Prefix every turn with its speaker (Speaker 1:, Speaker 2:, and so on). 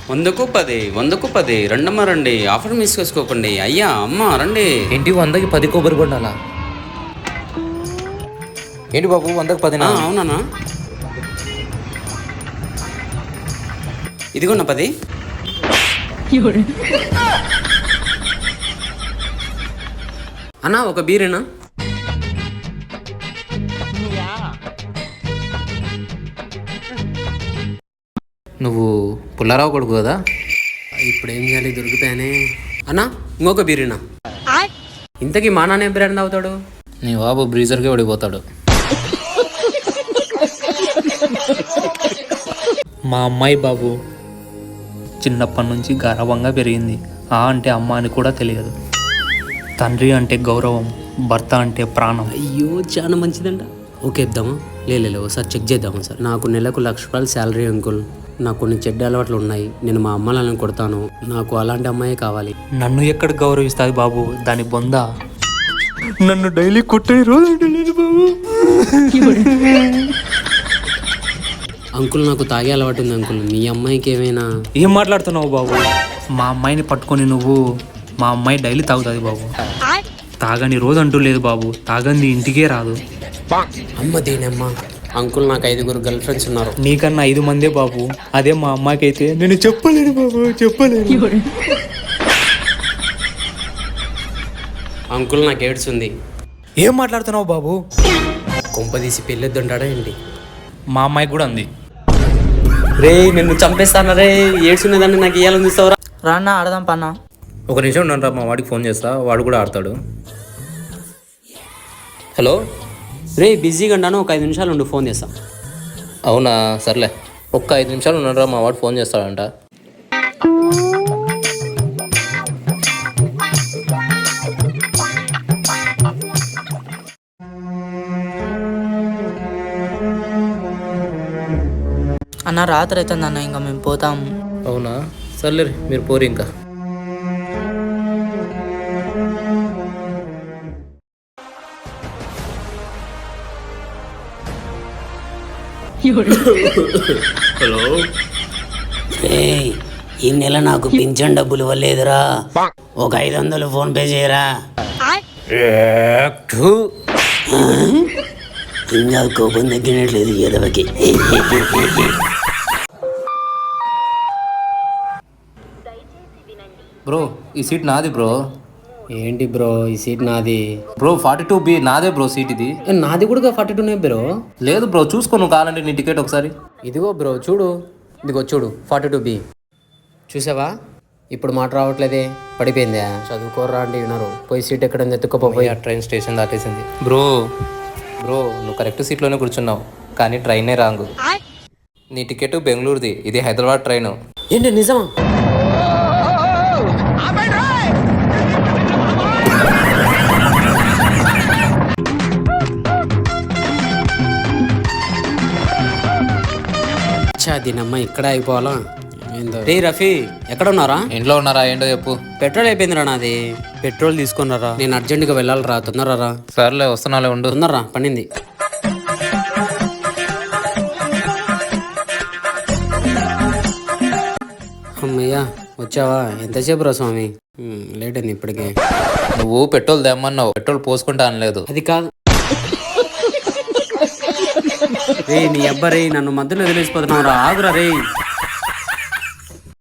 Speaker 1: వందకు 10 వందకు 10 రండమ్మ రండి, ఆఫర్ మిస్ చేసుకోకండి. అయ్యా అమ్మ రండి.
Speaker 2: ఏంటి 100కి 10 కొబ్బరి బొండాలా? ఏంటి బాబు 100కి 10?
Speaker 1: అవునా, ఇదిగోన్న 10. అన్నా ఒక బీరేనా?
Speaker 2: నువ్వు పుల్లారావు కొడుకు కదా?
Speaker 1: ఇప్పుడు ఏం చేయాలి, దొరుకుతాయనే. అన్నా ఇంకొక బీరేనా? ఇంతకీ మా నాన్న ఏం బ్రాండ్ తాగుతాడు?
Speaker 2: నీ బాబు బ్రీజర్కే పడిపోతాడు. మా అమ్మాయి బాబు చిన్నప్పటి నుంచి గారాబంగా పెరిగింది. అంటే అమ్మ అని కూడా తెలియదు. తండ్రి అంటే గౌరవం, భర్త అంటే ప్రాణం.
Speaker 1: అయ్యో చాలా మంచిదంట. ఓకే ఇద్దామా? లేదు ఒకసారి చెక్ చేద్దామా సార్? నాకు నెలకు ₹1,00,000 శాలరీ అంకుల్. నాకు కొన్ని చెడ్డ అలవాట్లు ఉన్నాయి. నేను మా అమ్మ కొడతాను. నాకు అలాంటి అమ్మాయే కావాలి.
Speaker 2: నన్ను ఎక్కడ గౌరవిస్తుంది బాబు దాని బొంద? నన్ను డైలీ కొట్టే రోజు బాబు.
Speaker 1: అంకుల్ నాకు తాగే అలవాటు ఉంది అంకుల్. మీ అమ్మాయికి ఏమైనా?
Speaker 2: ఏం మాట్లాడుతున్నావు బాబు? మా అమ్మాయిని పట్టుకొని నువ్వు, మా అమ్మాయి డైలీ తాగుతుంది బాబు. తాగని రోజు అంటూ లేదు బాబు. తాగంది ఇంటికే రాదు.
Speaker 1: అమ్మ దేనమ్మా. అంకుల్ నాకు 5 గర్ల్ ఫ్రెండ్స్ ఉన్నారు.
Speaker 2: నీకన్నా 5 మందే బాబు. అదే మా అమ్మాయికి అయితే నేను చెప్పలేను బాబు, చెప్పలేను.
Speaker 1: అంకుల్ నాకు ఎయిడ్స్ ఉంది.
Speaker 2: ఏం మాట్లాడుతున్నావు బాబు?
Speaker 1: కొంపదీసి పెళ్ళొద్దంటాడా ఏంటి?
Speaker 2: మా అమ్మాయికి కూడా ఉంది.
Speaker 1: రే నిన్ను చంపేస్తాను రే. ఎయిడ్స్ ఉన్నదాన్ని నాకు ఇయ్యాలని చూస్తావురా?
Speaker 3: రాన్నా ఆడదాం పన్నా.
Speaker 2: ఒక నిమిషం ఉన్నారా, మా వాడికి ఫోన్ చేస్తా, వాడు కూడా ఆడతాడు.
Speaker 1: హలో రే, బిజీగా ఉన్నాను, ఒక 5 నిమిషాలు ఉండి ఫోన్ చేస్తా.
Speaker 2: అవునా సర్లే, ఒక్క 5 నిమిషాలు ఉన్నారా, మా వాడు ఫోన్ చేస్తాడంట.
Speaker 3: అన్న రాత్రి అవుతుంది అన్న, ఇంకా మేము పోతాం.
Speaker 2: అవునా సర్లే, మీరు పోరు ఇంకా.
Speaker 1: హలో రే, ఈ నెల నాకు పింఛన్ డబ్బులు ఇవ్వలేదురా. ఒక 500 ఫోన్ పే చేయరా. ఇంకా కోపం తగ్గినట్లేదు ఎదవకి.
Speaker 2: బ్రో ఈ సీట్ నాది బ్రో.
Speaker 1: ఏంటి బ్రో ఈ సీట్ నాది?
Speaker 2: బ్రో 42B నాదే బ్రో సీట్ ఇది.
Speaker 1: నాది కూడా 42నే బ్రో.
Speaker 2: లేదు బ్రో, చూసుకో నువ్వు కావాలంటే నీ టికెట్ ఒకసారి.
Speaker 1: ఇదిగో బ్రో చూడు, ఇదిగో చూడు 42B. చూసావా? ఇప్పుడు మాట రావట్లేదే, పడిపోయిందా? చదువుకోర్రా అంటే వినరు. పోయి సీట్ ఎక్కడ ఎత్తుకోపోయి.
Speaker 2: ట్రైన్ స్టేషన్ దాటేసింది. బ్రో నువ్వు కరెక్ట్ సీట్లోనే కూర్చున్నావు, కానీ ట్రైనే రాంగు. నీ టికెట్ బెంగళూరుది, ఇది హైదరాబాద్ ట్రైన్.
Speaker 1: ఏంటి నిజమా? దీనమ్మ ఇక్కడ అయిపోవాలా? రే రఫీ, ఎక్కడ ఉన్నారా?
Speaker 2: ఇంట్లో ఉన్నారా? ఏంటో చెప్పు.
Speaker 1: పెట్రోల్ అయిపోయిందిరా నాది. పెట్రోల్ తీసుకున్నారా? నేను అర్జెంటుగా వెళ్ళాలిరా, తొందరరా.
Speaker 2: సర్లే వస్తున్నాలే, ఉండు.
Speaker 1: తొందరరా, పనింది. అమ్మయ్యా వచ్చావా? ఎంతసేపు రా స్వామి, లేట్ అయింది ఇప్పటికే.
Speaker 2: నువ్వు పెట్రోల్ తెమ్మన్నావు, పెట్రోల్ పోసుకుంటా అనలేదు.
Speaker 1: అది కాదు రే, నీ అబ్బా రే, నన్ను మధ్యలో వదిలేసిపోతున్నావు రా. ఆగురా రే.